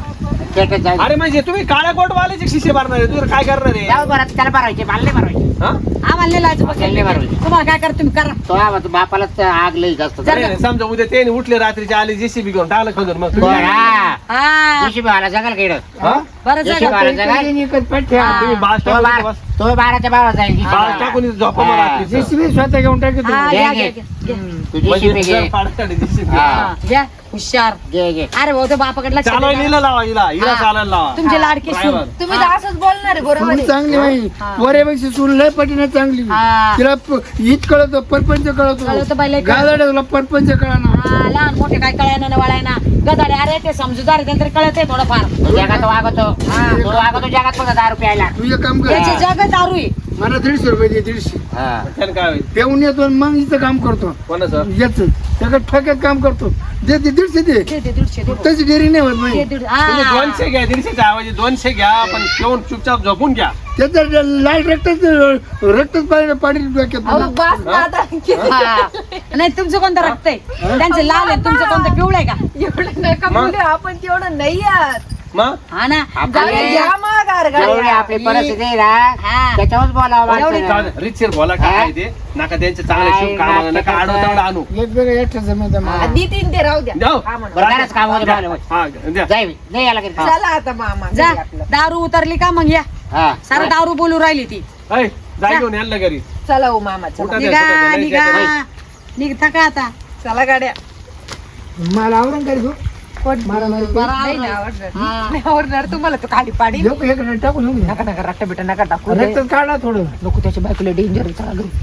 Speaker 7: पेटत जाऊ दे.
Speaker 6: अरे म्हणजे तुम्ही काळ्या कोटवाल्याचे शिष्य भरणार आहे तुझं काय करणार आहे
Speaker 7: जाऊ बरं त्याला भरवायचे मला नाही भरवायचे
Speaker 6: हा?
Speaker 1: आम्हाला नाही लावायचं बघ.
Speaker 7: नाही बरोबर.
Speaker 1: तुम्हाला काय करा तुम्ही करा
Speaker 7: तो आवाज बापालाच आग लई जास्त
Speaker 1: जर-
Speaker 6: नाही, नाही, समजा उद्या ते उठले रात्रीचे आले जेसीबी घेऊन टाकलं खंदून मग तुम्ही-
Speaker 7: बरं, हा.
Speaker 1: हा
Speaker 7: दिवशी मला जगाल केड
Speaker 6: हा?
Speaker 1: बरं
Speaker 7: जशी
Speaker 1: झालं.
Speaker 7: बारा जगाल
Speaker 3: एकच पट्ट्या
Speaker 1: हा.
Speaker 6: तुम्ही बास
Speaker 7: तो
Speaker 6: टाकून
Speaker 7: बारा
Speaker 6: बस.
Speaker 7: तो 12च्या भावात जाईल दिवशी
Speaker 6: बास
Speaker 7: बारा.
Speaker 6: टाकून झोपा मग
Speaker 7: हा.
Speaker 6: रात्रीचं.
Speaker 3: JCB स्वतः घेऊन टाकतो
Speaker 1: हा,
Speaker 7: घे,
Speaker 1: घ्या,
Speaker 7: घे.
Speaker 1: घ्या, घ्या.
Speaker 7: तू दिवशी
Speaker 6: म्हणजे
Speaker 7: बी घे.
Speaker 6: जर पाडताना JCB.
Speaker 7: हा.
Speaker 1: हा, घ्या हुशार
Speaker 7: घे घे
Speaker 1: अरे भाऊ ते बापाकडे लक्ष
Speaker 6: चालवायला
Speaker 1: द्या.
Speaker 6: हिला लावा हिला
Speaker 1: हा.
Speaker 6: चालायला लावा
Speaker 1: तुमचे लाडके सून
Speaker 6: driver.
Speaker 2: तुम्ही तर असंच बोलणार आहे बरोबर
Speaker 3: सून
Speaker 2: आहे.
Speaker 3: चांगली बाई
Speaker 1: हा.
Speaker 3: वऱ्यापेक्षा सून लय पटीने चांगली
Speaker 1: हा.
Speaker 3: तिला हीच कळतो परपंच
Speaker 1: कळतं
Speaker 3: कळतो
Speaker 1: बाई, लय कळतं.
Speaker 3: गादाड्याला परपंच कळणार
Speaker 1: हा, लहान मोठे काय कळायना ना वळायना गदाडे अरे ते समजूदार आहे, त्यांना तरी कळत आहे थोडंफार
Speaker 7: तो जगात वागतो तो वागतो जगात फक्त 10 रुपये आला
Speaker 3: तू एक काम कर
Speaker 1: त्याची जग दारू आहे.
Speaker 3: मला 150 रुपये दे 150
Speaker 7: हा.
Speaker 6: त्यानं काय होईल
Speaker 3: पेऊन येतो आणि मग इथं काम करतो
Speaker 6: कोणाचं
Speaker 3: याच त्याकडे ठोक्यात काम करतो दे 150 दे
Speaker 1: ते 150 दे.
Speaker 3: त्याची डेरी नाही होत नाही
Speaker 1: ते 150 हा.
Speaker 6: तुम्ही 200 घ्या 150च्या ऐवजी 200 घ्या पण ठेवून चुपचाप झोपून घ्या
Speaker 3: त्याचं लाल रक्तच पाणी डोक्यात
Speaker 2: अहो बास ना आता
Speaker 1: हा. नाही तुमचं कोणतं रक्त आहे त्यांचं लाल आहे तुमचं कोणतं पिवळं आहे का
Speaker 2: एवढं नका बोलू आपण तेवढं नाही यार
Speaker 6: मग
Speaker 1: हा ना
Speaker 7: आपले-
Speaker 2: घ्या मग
Speaker 7: जेवढी आपली परिस्थिती आहे ना
Speaker 1: हा.
Speaker 7: त्याच्यावरच बोलावं
Speaker 1: एवढी
Speaker 7: लागतं.
Speaker 6: रिचर बोला काय आहे ते नका त्यांचे चांगले शुभ काम नका आडवं तेवढं आणू
Speaker 3: वेगवेगळ्या एकट्याचं मध्ये मला.
Speaker 2: नितीन ते राहू द्या
Speaker 6: जाऊ
Speaker 2: हा म्हणा.
Speaker 7: बरं, घराच कामामध्ये बोलावं.
Speaker 6: हा द्या
Speaker 7: जाय नाही याला घरी.
Speaker 2: चला आता मामा
Speaker 1: जा
Speaker 2: घरी आपलं.
Speaker 1: दारू उतरली का मग या
Speaker 7: हा.
Speaker 1: सारं दारू बोलू राहिली ती
Speaker 6: ऐ, जा घेऊन यायला घरी
Speaker 2: चला हो मामा चला
Speaker 6: उठा द्या,
Speaker 1: निघा
Speaker 6: उठा द्या,
Speaker 1: निघा
Speaker 6: नाही
Speaker 1: निघता का आता
Speaker 2: चला गाड्या
Speaker 3: मला आवरण करी गो मारा मारी करू.
Speaker 2: नाही ना आवडणार नाही आवडणार तुम्हाला तो खाली पाडी
Speaker 3: देऊ का इकडे टाकून येऊ का?
Speaker 2: नका नका रट्टा बिट्टा नका टाकू
Speaker 3: रक्तच काढा थोडं
Speaker 2: नको त्याच्या बायकोला डेंजर चला घरी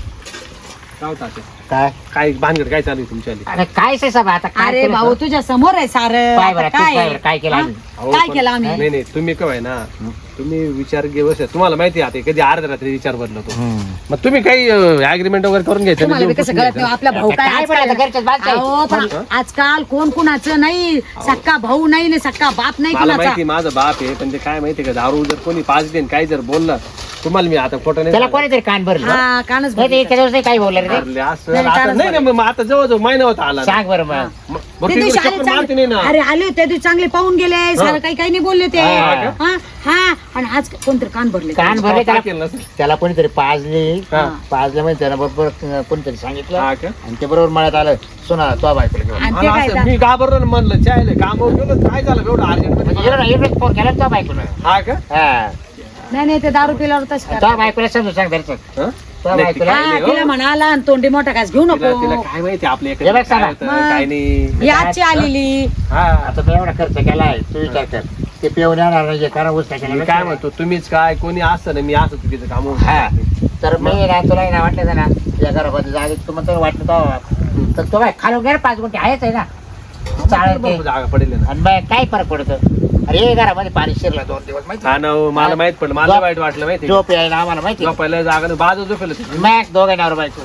Speaker 6: जाऊ तात्या.
Speaker 7: काय
Speaker 6: काय भानगड काय चालू आहे तुमच्या आली?
Speaker 7: अरे काय से सब आता काय
Speaker 1: अरे
Speaker 7: केलं
Speaker 1: भाऊ
Speaker 7: तर?
Speaker 1: तुझ्या समोर आहे सार
Speaker 7: पाय बरं, तू पाय बरं, काय केलं
Speaker 1: हा?
Speaker 7: आम्ही?
Speaker 6: अहो,
Speaker 1: काय
Speaker 6: पण-
Speaker 1: केलं आम्ही
Speaker 6: नाही नाही तुम्ही काय ना तुम्ही विचार घेऊ तुम्हाला माहिती आहे आता कधी अर्ध्या रात्री विचार बदलतो
Speaker 7: हम्म.
Speaker 6: मग तुम्ही काही अग्रीमेंट वगैरे करून घ्यायचं
Speaker 1: तुम्हाला बी कसं कळत नाही आपला भाऊ काय
Speaker 7: काय पण आता घरच्याच बाजूचं आहे.
Speaker 1: अहो, पण आजकाल कोण कुणाचं नाही सक्का भाऊ नाही ना सक्का बाप नाही
Speaker 6: मला
Speaker 1: कुणाचा
Speaker 6: माहिती माझं बाप आहे पण ते काय माहिती का दारू जर कोणी पाच देईन काही जर बोललं तुम्हाला मी आता खोटं नाही
Speaker 7: त्याला
Speaker 6: सांगत.
Speaker 7: कोणीतरी कान भरलं
Speaker 1: हा कानच
Speaker 7: नाही ते त्याच्यावर नाही काही बोललं रे ते.
Speaker 6: अरे, असं
Speaker 1: नाही,
Speaker 6: आता-
Speaker 1: कानच
Speaker 6: नाही नाही, मग आता जवळजवळ महिना होता आला ना.
Speaker 7: सांग बरं मग
Speaker 6: मग
Speaker 1: ते
Speaker 6: बरं,
Speaker 1: दिवशी
Speaker 6: तिकडे
Speaker 1: आले
Speaker 6: चक्कर मारते नाही ना
Speaker 1: अरे आले होते त्या दिवशी चांगले पाहून गेले सारं काही नाही बोलले ते
Speaker 7: हा.
Speaker 1: हा हा आणि आज कोणतरी कान भरले
Speaker 7: कान भरले
Speaker 6: काय
Speaker 7: त्याला
Speaker 6: केलं नसेल?
Speaker 7: त्याला कोणीतरी पाजली
Speaker 6: हा.
Speaker 7: पाजल्यामुळे त्याला बरोबर कोणीतरी सांगितलं
Speaker 6: हा का?
Speaker 7: आणि ते बरोबर मळ्यात आलं सुना तो बायकोला घेऊन
Speaker 1: आणि ते
Speaker 6: मला
Speaker 1: काय
Speaker 6: असं-
Speaker 1: आता?
Speaker 6: मी घाबरलो ना म्हणलं चायले काम गेलो काय झालं एवढं अर्जंट
Speaker 7: म्हणजे इकडे फोन केला तो बायकोला
Speaker 6: हा का
Speaker 7: हा
Speaker 1: नाही नाही ते दारू पिल्यावर तसं
Speaker 7: तो बायकोला समजून सांग धरचं
Speaker 6: हं?
Speaker 7: तो
Speaker 6: नाही,
Speaker 7: बायकोला
Speaker 6: काय नाही, हो.
Speaker 1: तिला म्हणाला आणि तोंडी मोठा घास घेऊ
Speaker 6: तिला
Speaker 1: नको
Speaker 6: तिला काय माहिती आपल्या
Speaker 7: हे बघ
Speaker 6: इकडे
Speaker 7: सांगा.
Speaker 6: काय होतं, काय नाही
Speaker 1: ही आजची आलेली
Speaker 6: हा
Speaker 7: आता मी एवढा खर्च केलाय तू विचार कर ते पेऊन येणार नाही करा उस
Speaker 6: मी काय म्हणतो तुम्हीच काय कोणी असतं ना मी असं चुकीचं काम होऊन
Speaker 7: हा
Speaker 6: जातं.
Speaker 7: तर मी ना तुला ना वाटलं ना या घरामध्ये जागेत तुम्हाला तर वाटलं तो तर तो बाय खालून गेला 5 गुंठे आहेच आहे ना चालेल ते
Speaker 6: भरपूर जागा पडेल ना
Speaker 7: आणि मग काय फरक पडतो अरे हे घरामध्ये पाणी शिरलं 2 दिवस माहिती
Speaker 6: हा ना हो, मला माहित पडलं मला
Speaker 7: झोप-
Speaker 6: वाईट वाटलं माहिती का?
Speaker 7: झोप यायला आम्हाला माहिती
Speaker 6: पहिल्या जागा बाजू झोपेल होती.
Speaker 7: मग दोघे नावर बायको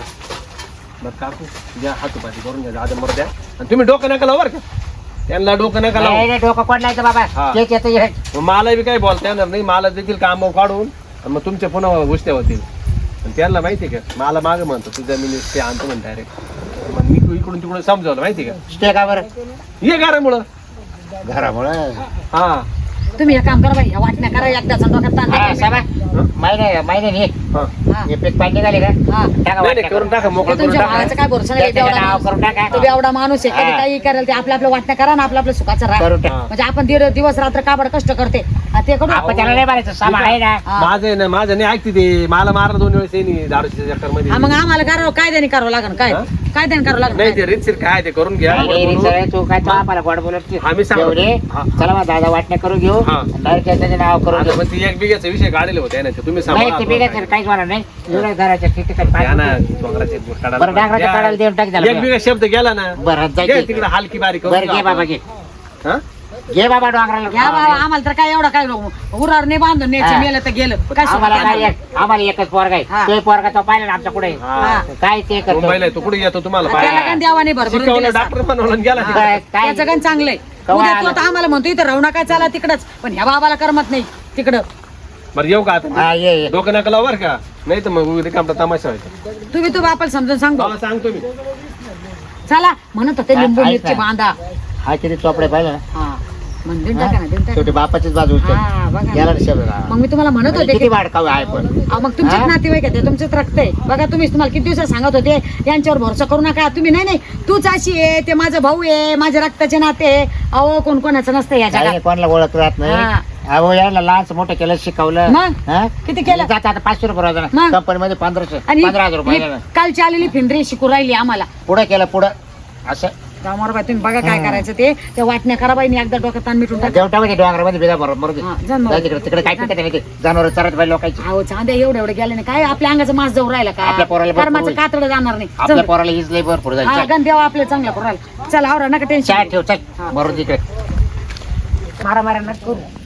Speaker 6: मग काकू द्या हातोपाती करून घ्या आता मर द्या आणि तुम्ही डोकं नका लावू बरं का त्यांना डोकं नका
Speaker 7: नाही
Speaker 6: लावू
Speaker 7: रे, डोकं कोणलायचं बाबा
Speaker 6: हा.
Speaker 7: तेच येतं हे.
Speaker 6: मग मला बी काही बोलता येणार नाही मला देखील काम काढून आणि मग तुमच्या पुन्हा गोष्टी होतील आणि त्यांना माहिती का मला मागं म्हणतो तू जमिनीत ते आणतो म्हणतो डायरेक्ट मग मी इकडून तिकडून समजावलं माहिती का
Speaker 7: स्टे का बरं
Speaker 6: ये घरामुळं
Speaker 7: घरामुळं
Speaker 6: हा
Speaker 1: तुम्ही एक काम करा बाई ह्या वाटण्या करा एकदा डोक्यात ताण
Speaker 7: हा,
Speaker 1: नका.
Speaker 7: साबा महिने
Speaker 6: हा
Speaker 1: हा.
Speaker 7: हे पीक पाणी निघाले का
Speaker 1: हा.
Speaker 7: टाका
Speaker 6: नाही नाही
Speaker 7: वाटण्या
Speaker 6: करून टाका
Speaker 1: ते
Speaker 6: मोकळं करून
Speaker 1: तुमच्या
Speaker 6: टाका
Speaker 1: भावाचं काय भरोसा नाही
Speaker 7: त्याचं
Speaker 1: एवढा
Speaker 7: नाव
Speaker 1: माणूस.
Speaker 7: करून टाका
Speaker 1: तो बी एवढा माणूस आहे कधी
Speaker 7: हा.
Speaker 1: काही करेल ते आपल्या वाटण्या करा ना आपलं सुखाचं राहा
Speaker 7: करून टाका.
Speaker 1: म्हणजे आपण दिवस रात्र काबड कष्ट करते हा, ते करू
Speaker 7: आपण त्याला नाही मारायचं सामा आहे ना
Speaker 1: हा.
Speaker 6: माझं आहे ना माझं नाही ऐकते ते मला मारलं 2 वेळेस येईन दारूच्या चक्कर मध्ये
Speaker 1: हा, मग आम्हाला करावं कायद्याने करावं लागेल काय
Speaker 6: हा?
Speaker 1: कायद्याने करावं
Speaker 6: नाही
Speaker 1: लागेल
Speaker 6: ते रीतशीर काय ते करून घ्या
Speaker 7: नाही, नाही,
Speaker 6: बोलून.
Speaker 7: रे, तू काय तो आम्हाला गोड बोलत
Speaker 6: आम्ही सांगतो.
Speaker 7: रे
Speaker 6: हा.
Speaker 7: चला मग दादा वाटण्या करून घेऊ
Speaker 6: हा.
Speaker 7: डायरेक्ट त्याचं नाव करून
Speaker 6: आता
Speaker 7: घेऊ
Speaker 6: मग ती 1 बिघ्याचा विषय काढले होते ना ते तुम्ही
Speaker 7: नाही ते बिघायचं
Speaker 6: सांगा
Speaker 7: काहीच होणार नाही एवढ्या घराच्या ठिकाणी
Speaker 6: द्या ना
Speaker 7: पाणी-
Speaker 6: डोंगराचे बोट काढायला
Speaker 7: बरं, डांगराच्या
Speaker 6: द्या.
Speaker 7: काढायला देऊन टाक त्याला.
Speaker 6: 1 बिघा शब्द गेला ना
Speaker 7: बरं
Speaker 6: घे
Speaker 7: जायचं
Speaker 6: तिकडे हलकी बारीक
Speaker 7: बरं घे बाबा घे घे बाबा डोंगराला
Speaker 1: घ्या बाबा आम्हाला तर काय एवढं काय उरावर नाही बांधून न्यायचं
Speaker 7: हा.
Speaker 1: मेलं तर गेलं काय
Speaker 7: आम्हाला
Speaker 1: सुखाचं?
Speaker 7: काय आम्हाला एकच पोरगा
Speaker 1: हा.
Speaker 7: आहे तो पोरगा तो पाहिला ना आमच्या पुढे
Speaker 6: हा.
Speaker 7: काय ते करतो
Speaker 6: मुंबईला आहे, तो कुठे येतो तुम्हाला
Speaker 1: त्याला
Speaker 6: पाहायला?
Speaker 1: काय देवाने भरभरून
Speaker 6: शिकवलं
Speaker 1: दिलं
Speaker 6: डॉक्टर बनवलं आणि गेला तिकडे.
Speaker 7: काय
Speaker 1: त्याचं काय चांगलंय
Speaker 7: कवा
Speaker 1: उद्या तू
Speaker 7: आला?
Speaker 1: आता आम्हाला म्हणतो इथं राहू नका चला तिकडच पण ह्या बाबाला करमत नाही तिकडं
Speaker 6: बरं येऊ का आता
Speaker 7: हा ये
Speaker 6: डोकं नका लावू बरं का नाही तर मग उद्या कामटा तमाशा व्हायचा
Speaker 1: तुम्ही तू बापाला समजून सांगतो
Speaker 6: मला सांगतो मी
Speaker 1: चला म्हणत होते लिंबू
Speaker 7: ऐक
Speaker 1: मिरची
Speaker 7: ना.
Speaker 1: बांधा
Speaker 7: हा किती चोपडे पाहिलं ना
Speaker 1: हा मग देऊन टाका ना, देऊन टाका.
Speaker 4: शेवटी बापाचीच बाजू उचल.
Speaker 1: हा, बघा ना.
Speaker 4: याला ना शब्द राहा.
Speaker 1: मग मी तुम्हाला म्हणत
Speaker 4: म्हणजे
Speaker 1: होते
Speaker 4: किती
Speaker 1: की
Speaker 4: वाढकाव आहे पण
Speaker 1: अहो, मग तुमचेच
Speaker 4: हा?
Speaker 1: नातेवाईक आहे ते, तुमचंच रक्त आहे बघा. तुम्ही तुम्हाला किती दिवसात सांगत होते यांच्यावर भरोसा करू नका तुम्ही. नाही तूच अशी आहे, ते माझा भाऊ आहे, माझ्या रक्ताचे नाते आहे. अहो कोण कोणाचं नसतं या
Speaker 4: काही
Speaker 1: जगात.
Speaker 4: कोणाला ओळख राहत नाही.
Speaker 1: हा.
Speaker 4: अहो याला लहानच मोठं केलं, शिकवलं.
Speaker 1: मग?
Speaker 4: हा?
Speaker 1: किती केलं?
Speaker 4: जात आता 500 रुपये रोजानं.
Speaker 1: मग?
Speaker 4: कंपनीमध्ये 1500
Speaker 1: आणि
Speaker 4: 15,000 रुपये
Speaker 1: ही कालची आलेली फिंदरी शिकू राहिली आम्हाला.
Speaker 4: पुढे केलं पुढं असं
Speaker 1: रामावर तुम्ही बघा काय करायचं ते वाटण्या करा बाई, एकदा डोक्यात ताण मिटून टाका.
Speaker 4: देवटामध्ये डोंगरामध्ये बिदा बरोबर
Speaker 1: हा, जा मग.
Speaker 4: तिकडे काय पिकत नाही ते जनावर चरत पाहिजे लोकांची.
Speaker 1: अहो चांद्या एवढे गेले नाही काय आपल्या अंगाचं मास जाऊ राहिला का?
Speaker 4: आपल्या पोराला भरपूर
Speaker 1: कर्माचं
Speaker 4: होईल.
Speaker 1: कातडं जाणार नाही.
Speaker 4: आपल्या
Speaker 1: जाऊ दे.
Speaker 4: पोराला हीच लई भरपूर
Speaker 1: हा
Speaker 4: झाली.
Speaker 1: गण देवा आपल्या चांगल्या पोराला. चला आवरा नका टेन्शन.
Speaker 4: चहा ठेव चल मरून तिकडे.
Speaker 2: मारा मारा नका करू.